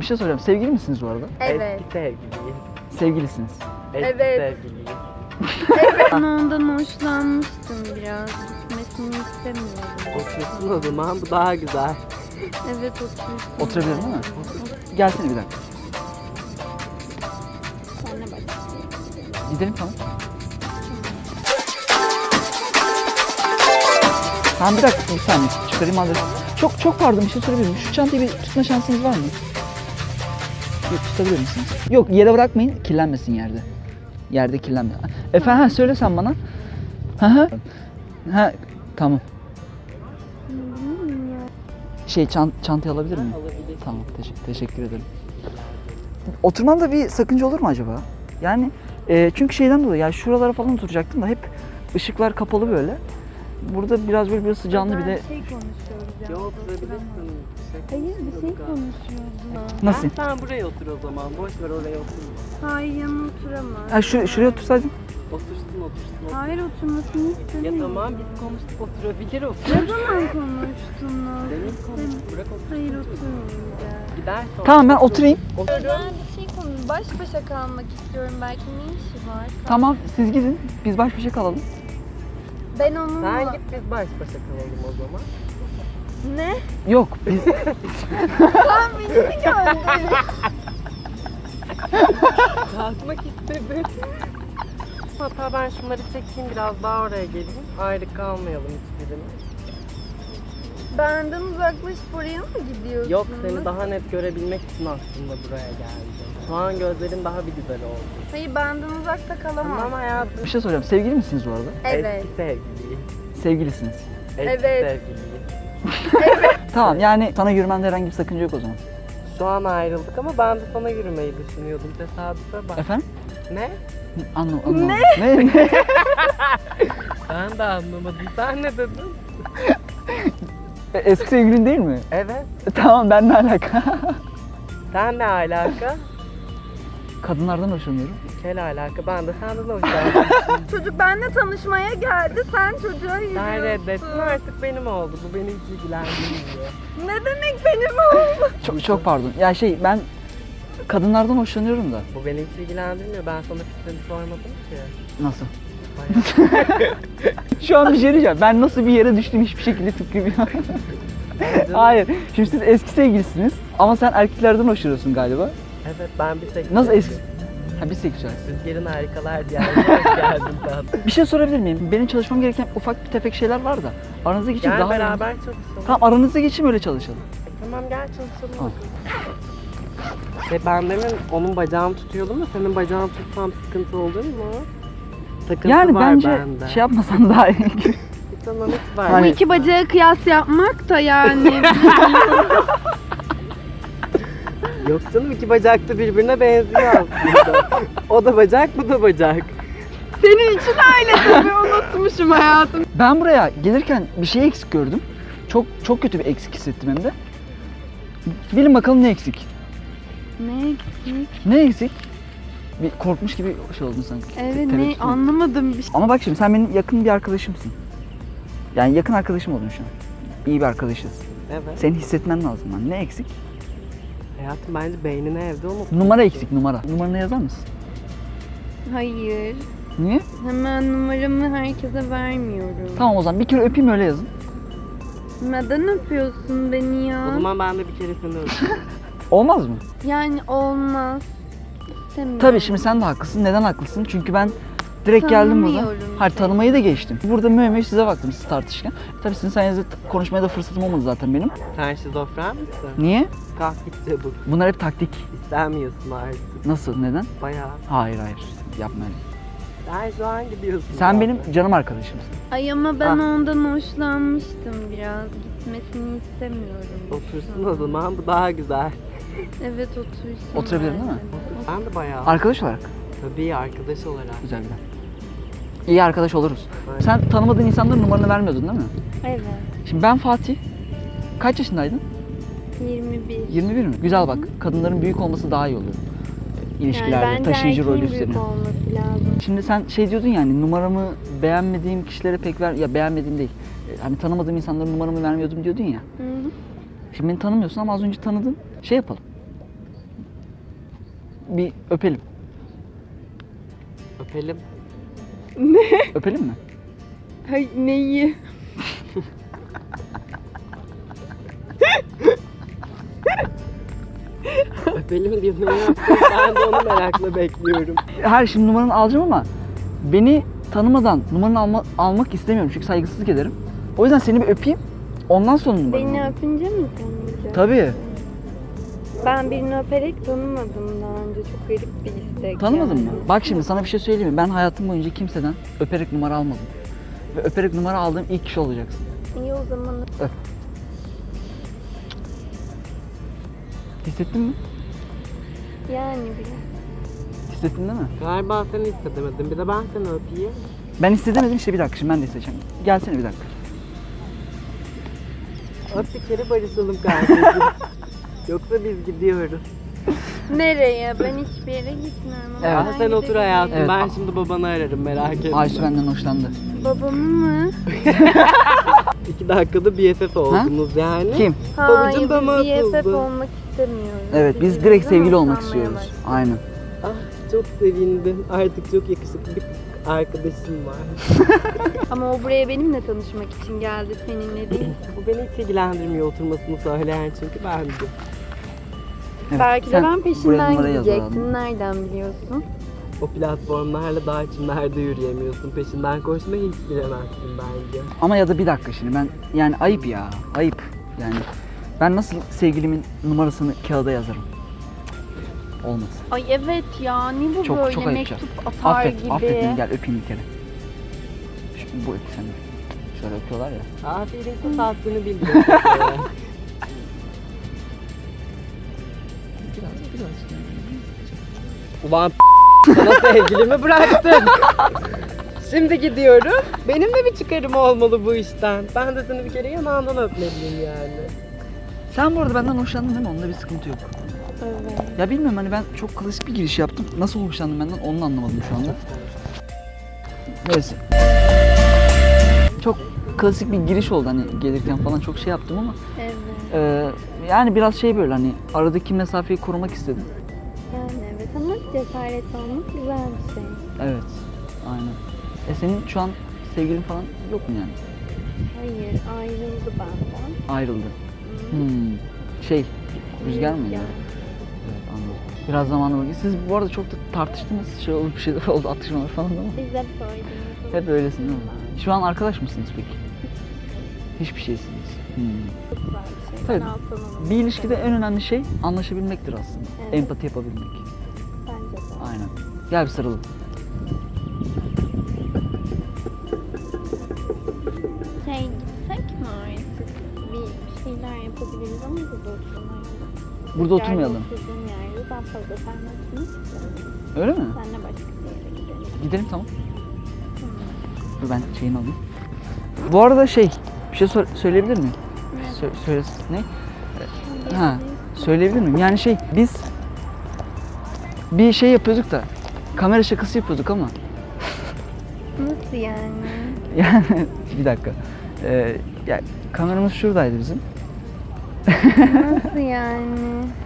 Bir şey soracağım. Sevgili misiniz bu arada? Evet. Eski sevgiliyiz. Sevgilisiniz. Eski Evet. sevgiliyiz. Ben ondan hoşlanmıştım biraz. Gitmesini istemiyorum. Otursun o zaman, bu daha güzel. Evet otursun. Oturabilirim değil mi? Gelsene bir dakika. Sonra başlayalım. Gidelim tamam. Tamam bir dakika bir saniye çıkarayım adresi. Çok pardon bir şey sorabilir miyim? Şu çantayı bir tutma şansınız var mı? Bir tutabilir misiniz? Yok yere bırakmayın kirlenmesin yerde. Yerde kirlenmesin. Efendim ha, söyle sen bana. Ha tamam. Çantayı alabilir miyim? Alabilir. Tamam teşekkür ederim. Oturmanda bir sakınca olur mu acaba? Yani çünkü şeyden dolayı yani şuralara falan oturacaktım da hep ışıklar kapalı böyle. Burada biraz böyle bir canlı bir de şey konuşuyoruz ya. Yok, oturabilirsin. Hayır bir şey konuşuyoruz. nasıl? Sen buraya otur o zaman, boş ver oraya otur. Hayır yanına oturamaz. Ha şuraya otursaydın. Otursun. Hayır oturmasını Ya istemiyorum. tamam, biz konuştuk, oturabilir Ne otur. zaman konuştunuz? Demin konuştuk, bırak otur. Hayır oturmayacağım. Gider sonra. Tamam ben oturayım. Ben bir şey baş başa kalmak istiyorum. Belki ne işi var? Tamam siz gidin. Biz baş başa kalalım. Ben onunla... Sen git, biz baş başa kalalım o zaman. Ne? Yok biz Sen beni mi gördün? Kalkmak istedi. Hatta ben şunları çekeyim, biraz daha oraya geleyim. Ayrı kalmayalım hiçbirimiz. Benden uzaklaşıp oraya mı gidiyorsun? Yok, seni daha net görebilmek için aslında buraya geldim. Şu an gözlerin daha bir güzel oldu. Hayır benden uzakta kalamam. Tamam hayatım. bir şey soracağım. Sevgili misiniz bu arada? Evet. Eski sevgiliyiz. Sevgilisiniz. Eski Evet. sevgiliyiz. Tamam yani sana yürümende herhangi bir sakınca yok o zaman. Şu an ayrıldık ama ben de sana yürümeyi düşünüyordum. Tesadüfe bak. Efendim? Ne? Anlamadım. Ne? Ben de anlamadım. Sen ne dedin? Eski sevgilin değil mi? Evet. Tamam ben ne alaka? Sen ne alaka? Kadınlardan hoşlanıyorum. Kel alaka. Ben de senden hoşlandım. Çocuk benimle tanışmaya geldi. Sen çocuğa yürüyorsun. Sen reddettin, artık benim oldu. Bu beni hiç ilgilendirmiyor. Ne demek benim oldu? Çok pardon. Ya ben kadınlardan hoşlanıyorum da. Bu beni hiç ilgilendirmiyor. Ben sana fikrini sormadım ki. Nasıl? Bayağı. Şu an bir şey diyeceğim. Ben nasıl bir yere düştüm hiçbir şekilde tıklamıyorum. Hayır. Şimdi siz eski sevgilisiniz ama sen erkeklerden hoşlanıyorsun galiba. Evet, ben bir seksüel. Nasıl eski? Ha bir seksüel. Rüzgarın harikalar diyarına hoş geldin tatlım. Bir şey sorabilir miyim? Benim çalışmam gereken ufak bir tefek şeyler var da. Aranıza geçeyim Gel daha beraber çalışalım. Tamam aranıza geçeyim öyle çalışalım. Tamam, gel çalışalım. Tamam. Ben demin onun bacağını tutuyordum da senin bacağını tutsam sıkıntı olur mu? Takıntı Yani var bence bende. şey yapmasan daha iyi. Tamam, hiç var. Hani- Bu iki bacağı kıyas yapmak da yani. Yok canım, iki bacak da birbirine benziyor aslında. O da bacak, bu da bacak. Senin için öyle tabii unutmuşum hayatım. Ben buraya gelirken bir şey eksik gördüm. Çok kötü bir eksik hissettim hem de. Bilin bakalım ne eksik? Ne eksik? Ne eksik? Bir korkmuş gibi şey oldun sanki. Evet Tereddüt ne mü? anlamadım bir şey. Ama bak şimdi sen benim yakın bir arkadaşımsın. Yani yakın arkadaşım oldun şu an. İyi bir arkadaşız. Evet. Senin hissetmen lazım lan. Ne eksik? Hayatım, bence beynini evde unut. Numara eksik numara. Numaranı yazar mısın? Hayır. Niye? Hemen numaramı herkese vermiyorum. Tamam o zaman bir kere öpeyim öyle yazın. Neden öpüyorsun beni ya? O zaman ben de bir kere seni öpeyim. Olmaz mı? Yani olmaz. İstemiyorum. Tabii şimdi sen de haklısın. Neden haklısın? Çünkü ben direkt geldim burada. Tanımıyorum Hayır seni. tanımayı da geçtim. Burada mühemmel size baktım siz tartışırken. Tabii sizin sayenizde konuşmaya da fırsatım olmadı zaten benim. Sen şizofren misin? Niye? Kalk git çabuk. Bunlar hep taktik. İstemiyorsun artık. Nasıl? Neden? Bayağı. Hayır yapma öyle. Sen şu an gidiyorsun. Sen zaten. benim canım arkadaşımsın. Ay ama ben Ah. ondan hoşlanmıştım biraz. Gitmesini istemiyorum. Otursun o zaman, bu daha güzel. Evet otursun. Oturabilirim değil mi? bence. Ben de bayağı. Arkadaş olarak. Tabii, arkadaş olarak. Güzel. İyi arkadaş oluruz. Aynen. Sen tanımadığın insanların numaranı vermiyordun değil mi? Evet. Şimdi ben Fatih. Kaç yaşındaydın? 21. 21 mi? Güzel bak. Kadınların büyük olması daha iyi oluyor. İlişkilerde, bence taşıyıcı rolü erkeğin büyük üstleniyor. olması lazım. Şimdi sen şey diyordun yani numaramı beğenmediğim kişilere pek ya beğenmediğim değil. Hani tanımadığım insanlara numaramı vermiyordum diyordun ya. Hı hı. Şimdi beni tanımıyorsun ama az önce tanıdın. Şey yapalım. bir öpelim. Öpelim. Öpelim mi? Hay neyi? Öpelim diyor. Ne yapacak? Ben de onu merakla bekliyorum. Her şimdi numaranı alacağım ama beni tanımadan numaranı almak istemiyorum çünkü saygısızlık ederim. O yüzden seni bir öpeyim. Ondan sonra numaranı Beni alayım. öpünce mi tanıyacaksın? Tabii. Ben birini öperek tanımadım daha önce. Çok garip bir istek. Tanımadın yani. mı? Bak şimdi sana bir şey söyleyeyim mi? Ben hayatım boyunca kimseden öperek numara almadım. Ve öperek numara aldığım ilk kişi olacaksın. İyi o zaman. Öp. Hissettin mi? Yani biraz. Hissettin değil mi? Galiba sen hissedemedin. Bir de ben seni öpeyim. Ben hissedemedim işte bir dakika şimdi ben de hissedeceğim. Gelsene bir dakika. Öp bir kere barışalım kardeşim. Yoksa biz gidiyoruz. Nereye? Ben hiçbir yere gitmiyorum. Ama Evet. ben Sen otur gidebilirim. hayatım. Evet. Ben şimdi babanı ararım, merak etme. Aysu benden hoşlandı. Babamı mı? 2 dakikada BFF oldunuz yani. Kim? Hayır, Babacım dama biz BFF atıldı. olmak istemiyoruz. Evet biz Birbirimizi direkt sevgili olmak hoşlanmaya istiyoruz. başladık. Aynen. Ah çok sevindim. Artık çok yakışıklı bir arkadaşım var. Ama o buraya benimle tanışmak için geldi, seninle değil. Bu beni hiç ilgilendirmiyor oturmasını söyleyen çünkü ben de. Evet, Belki de sen ben buraya peşinden numarayı yaz gidecektim. bakalım. Nereden biliyorsun? O platformlarla dağ içinde yürüyemiyorsun. Peşinden koşmayı hiç bilemezsin bence. Ama ya da bir dakika şimdi ben yani ayıp ya. Ayıp. Yani ben nasıl sevgilimin numarasını kağıda yazarım? Cık, olmaz. Ay evet ya, ne bu Çok- böyle çok ayıp ya. mektup atar Affet, gibi. affet beni gel öpeyim bir kere. Bu öp sen de. Şöyle öpüyorlar ya. Aferin kız haddini bildiriyor. Biraz. Ulan sana sevgilimi bıraktın. Şimdi gidiyorum. Benim de bir çıkarım olmalı bu işten. Ben de seni bir kere yanağından öpmeliyim yani. Sen bu arada benden hoşlandın değil mi? Onda bir sıkıntı yok. Evet. Ya bilmiyorum hani ben çok klasik bir giriş yaptım. Nasıl hoşlandın benden onu anlamadım şu anda. Neyse. Çok klasik bir giriş oldu hani gelirken falan çok şey yaptım ama Evet. yani biraz şey böyle hani aradaki mesafeyi korumak istedim. Yani evet ama cesaretli olmak güzel bir şey. Evet. Aynen. Senin şu an sevgilin falan yok mu yani? Hayır, ayrıldı benden. Ayrıldı. Hı. Şey, Rüzgar mıydı? Rüzgar. Evet anladım. Biraz zamanı var. Siz bu arada çok da tartıştınız. Şey oldu bir şeyler oldu atışmalar falan ama. Biz hep böyleyiz. Hep öylesin değil mi? Şu an arkadaş mısınız peki? Hiçbir şeysiniz. Çok güzel bir şey. Tabii. Ben alttan Bir ilişkide en önemli şey anlaşabilmektir aslında. Evet. Empati yapabilmek. Bence de. Aynen. Gel bir sarılın. Gitsek mi artık? Bir şeyler yapabiliriz ama burada oturmayalım. Burada oturmayalım. Oturduğum yerde daha fazla seninle oturmak istiyorum. Öyle mi? Seninle başka bir yere gidelim. Gidelim tamam. Dur ben şeyini alayım. Bu arada şey, bir şey söyleyebilir miyim? Söylesin. Ne? Ha, söyleyebilir miyim? Yani şey, biz bir şey yapıyorduk da, kamera şakası yapıyorduk ama. Nasıl yani? Yani bir dakika. Ya, kameramız şuradaydı bizim. Nasıl yani?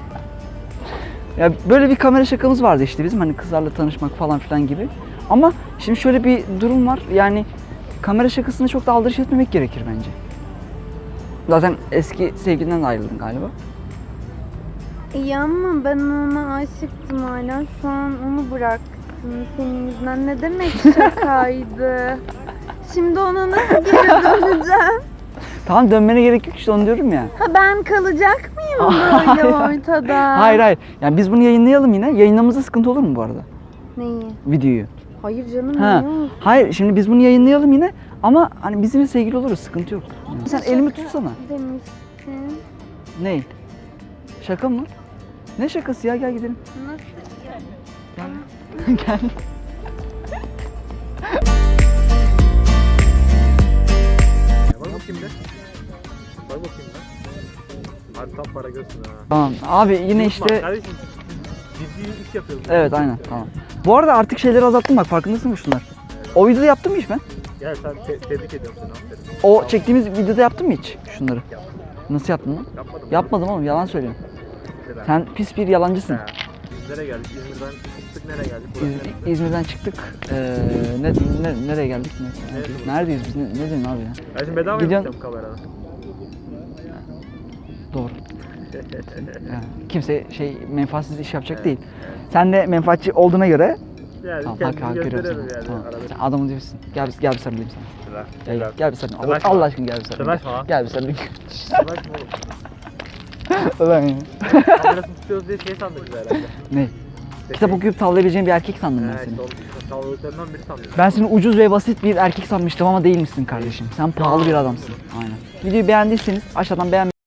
Ya böyle bir kamera şakamız vardı işte bizim hani kızlarla tanışmak falan filan gibi. Ama şimdi şöyle bir durum var. Yani kamera şakasına çok da aldırış etmemek gerekir bence. Zaten eski sevgilinden de ayrıldın galiba. İyi ama ben ona aşıktım hala. Şu an onu bıraktım senin yüzünden. Ne demek şakaydı? Şimdi ona nasıl geri döneceğim? Tamam dönmene gerek yok işte onu diyorum ya. Ha ben kalacak mıyım böyle ortada? Hayır. Yani biz bunu yayınlayalım yine. Yayınlamamızda sıkıntı olur mu bu arada? Neyi? Videoyu. Hayır canım Ha. niye olsun? Hayır şimdi biz bunu yayınlayalım yine. Ama hani bizimle sevgili oluruz sıkıntı yok. Yani. Sen elimi tutsana. Demiştin. Ne? Şaka mı? Ne şakası ya gel gidelim. Nasıl? Gel. Gel. Var bakayım bir. Var bakayım ben. Hadi tam para görsün ha. Tamam abi yine Unutma, işte Kardeşim ciddi iş yapıyoruz. evet aynen tamam. Bu arada artık şeyleri azalttım bak farkındasın mı şunlar? O videoda yaptım mı hiç ben? Gel sen tebrik ediyorum seni aferin. O çektiğimiz videoda yaptın mı hiç şunları? Yaptım. Nasıl yaptın lan? Yapmadım. Yapmadım oğlum yalan söylüyorum. Neden? Sen pis bir yalancısın. Ha. Nereye geldik? İzmir'den çıktık, nereye geldik? Burası neresi? İzmir'den çıktık. Nereye geldik? Neredeyiz biz? Ne diyorsun abi ya? Ben şimdi bedava Gidiyorsun- yapacağım kamerada. Doğru. Yani kimse menfaatsiz iş yapacak değil. Sen de menfaatçi olduğuna göre Yani tamam, kendimizi hak görüyorum gösteriyoruz sana. yani Tamam. arada. Sen adamın dibisin. Gel bir sarılayım sana. Sıra. Gel bir sarılayım. Tıraşma. Allah aşkına gel bir sarılayım. Tıraşma. Gel bir sarılayım. Sıraşma oğlum. Ulan ya. Kamerasını tutuyoruz diye şey sandık biz herhalde. Ne? Kitap okuyup tavlayabileceğin bir erkek sandım ben seni. İşte onun sağlıklarından biri sandım. Ben seni ucuz ve basit bir erkek sanmıştım ama değilmişsin kardeşim. Sen pahalı bir adamsın. Aynen. Videoyu beğendiyseniz aşağıdan beğen